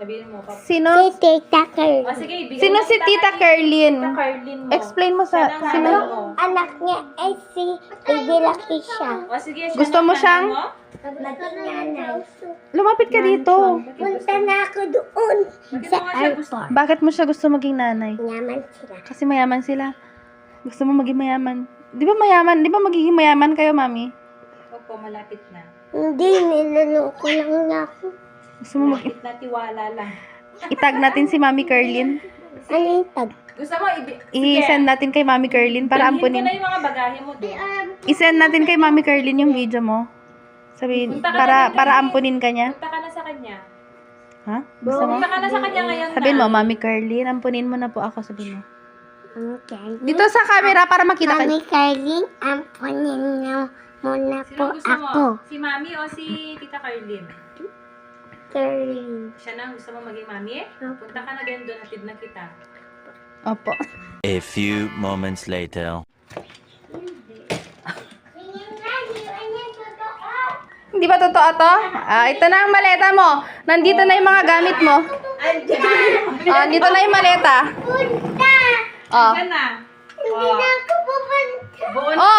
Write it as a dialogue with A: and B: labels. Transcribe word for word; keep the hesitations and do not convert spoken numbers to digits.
A: Sabihin mo, Papa.
B: Sino?
C: Si Tita Carlin.
A: O sige, bigyan
B: Sino
A: mo
B: si
A: kita
B: Tita
A: kay-
B: Carlin?
A: Tita Carlin mo.
B: Explain mo sa...
A: Siya ng
B: Sino?
A: nanay mo.
C: Anak niya ay si Baby Lucky siya.
A: O sige, siya
B: Gusto
A: ng
B: mo
A: nanay
B: siyang-
A: mo?
C: Naging nanay.
B: Lumapit ka dito.
C: Punta na ako doon
A: Bakit
C: sa
A: mo nga siya gusto?
C: airport.
B: Bakit mo siya gusto maging nanay?
C: Yaman sila.
B: Kasi mayaman sila. Gusto mo maging mayaman. Di ba mayaman? Di ba magiging mayaman kayo, mami?
A: Opo, malapit na.
C: Hindi, niloloko lang niya ako.
B: Gusto mo mag...
A: Malapit na, tiwala lang.
B: Itag natin si Mami Carlin.
C: Ano yung tag?
A: Gusto mo, ibi...
B: I-send natin kay Mami Carlin para
A: Dalhin ko
B: ampunin.
A: na yung mga bagahe mo doon.
B: I-send natin kay Mami Carlin yung video mo. Sabihin,
A: Punta ka
B: para
A: na dun,
B: para
A: Carlin.
B: ampunin ka niya.
A: Punta ka na sa kanya.
B: Ha? Gusto mo?
A: Punta ka na sa kanya ngayon
B: Sabihin
A: na.
B: mo, Mami Carlin, ampunin mo na po ako, sabihin mo.
C: Mami Carlin.
B: Dito sa camera para makita ka.
C: Mami Carlin, ampunin niyo muna
A: Sino
C: po
A: gusto mo?
C: ako.
A: Si Mami o si Tita Carlin?
C: Carlin.
A: Siya na, gusto mo maging Mami? Punta ka na ganyan doon, hatid na kita.
B: Opo.
D: A few moments later.
B: Hindi ba totoo to? Ah, ito na ang maleta mo. Nandito na yung mga gamit mo. Ah, dito na yung maleta.
C: Punta!
B: Ah.
A: Diyan na.
C: Hindi na ako pupunta.
A: Buo
B: Oh,